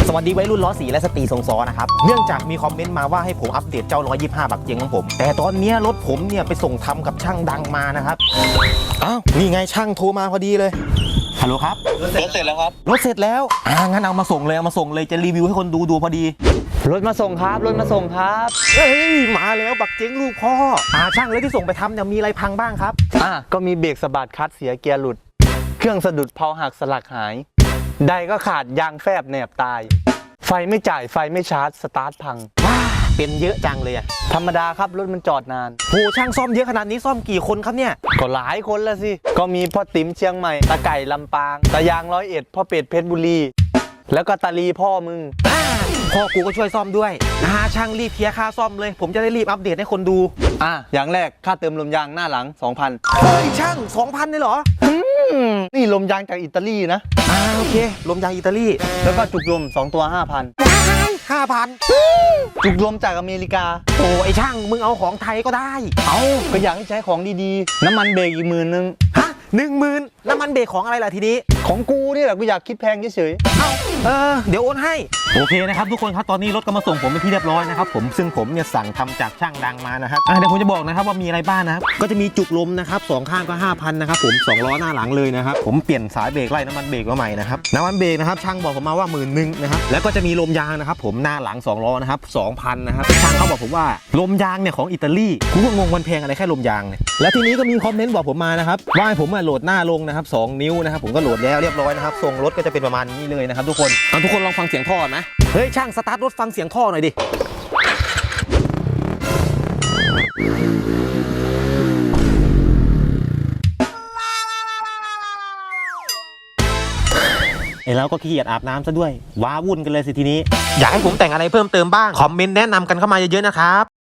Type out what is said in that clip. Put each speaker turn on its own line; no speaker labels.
สวัสดีวัยรุ่นล้อสีและสตรีทรงซ้อนะครับเนื่องจากมีคอมเมนต์มาว่าให้ผมอัปเดตเจ้า125บักเจงของผมแต่ตอนนี้รถผมเนี่ยไปส่งทำกับช่างดังมานะครับอ้าวนี่ไงช่างโทรมาพอดีเลยฮัลโหลครับ
รถเสร็จแล้วครับ
รถเสร็จแล้วงั้นเอามาส่งเลยจะรีวิวให้คนดูพอดี
รถมาส่งครับรถมาส่งครับ
เฮ้ยมาแล้วบักเจงลูกพ่อช่างเลยที่ส่งไปทำเนี่ยมีอะไรพังบ้างครับ
ก็มีเบรกสะบัดคัดเสียเกียร์หลุดเครื่องสะดุดเพลาหักสลักหายไดก็ขาดยางแฟบแหนบตายไฟไม่จ่ายไฟไม่ชาร์จสตาร์ทพัง
เป็นเยอะจังเลย
ธรรมดาครับรถมันจอดนาน
โหช่างซ่อมเยอะขนาดนี้ซ่อมกี่คนครับเนี่ย
ก็หลายคนแล้วสิก็มีพ่อติ๋มเชียงใหม่ตะไก่ลำปางตะยาง101พ่อเป็ดเพชรบุรีแล้วก็ตาลีพ่อมึง
พ่อกูก็ช่วยซ่อมด้วยช่างรีบเคลียร์ค่าซ่อมเลยผมจะได้รีบอัปเดตให้คนดู
อย่างแรกค่าเติมลมยางหน้าหลัง 2,000
เฮ้ยช่าง 2,000เลยเหรอ
นี่ลมยางจากอิตาลีนะ
โอเคลมยางอิตาลี
แล้วก็จุกลม2 ตัว 5,000 จุกลมจากอเมริกา
โอ้ไอช่างมึงเอาของไทยก็ได้
ก็อยากให้ใช้ของดีๆน้ำมันเบรกอีก10,000
10,000น้ำมันเบรกของอะไรล่ะทีนี้
ของกูนี่แหละกูอยากคิดแพงเฉย
เดี๋ยวโอนให้โอเคนะครับทุกคนครับตอนนี้รถก็มาส่งผมเป็นที่เรียบร้อยนะครับผมซึ่งผมเนี่ยสั่งทำจากช่างดังมานะครับเดี๋ยวผมจะบอกนะครับว่ามีอะไรบ้างนะครับก็จะมีจุกลมนะครับ2ข้างก็ 5,000 นะครับผม2ล้อหน้าหลังเลยนะครับผมเปลี่ยนสายเบรกไล่น้ำมันเบรกมาใหม่นะครับน้ำมันเบรกนะครับช่างบอกผมมาว่า10,000นะครับแล้วก็จะมีลมยางนะครับผมหน้าหลัง2ล้อนะครับ 2,000 นะครับช่างเขาบอกผมว่าลมยางเนี่ยของอิตาลีกูก็งงมันแพงอะไรแค่ลมยางเนี่ยและทีนี้ก็มีคอมเมนต์บอกผมมานะครับว่าให้ผมโหลดหน้าลงนะครับ2นิ้วนะครับผมก็โหลดแล้วเรียบร้อยนะครับทรงรถก็จะเป็นประมาณนี้เลยนะครับทุกคนทุกคนลองฟังเสียงท่อนะเฮ้ยช่างสตาร์ทรถฟังเสียงท่อหน่อยดิแล้วก็ขี้เกียจอาบน้ำซะด้วยว้าวุ่นกันเลยสิทีนี้อยากให้ผมแต่งอะไรเพิ่มเติมบ้างคอมเมนต์แนะนำกันเข้ามาเยอะๆนะครับ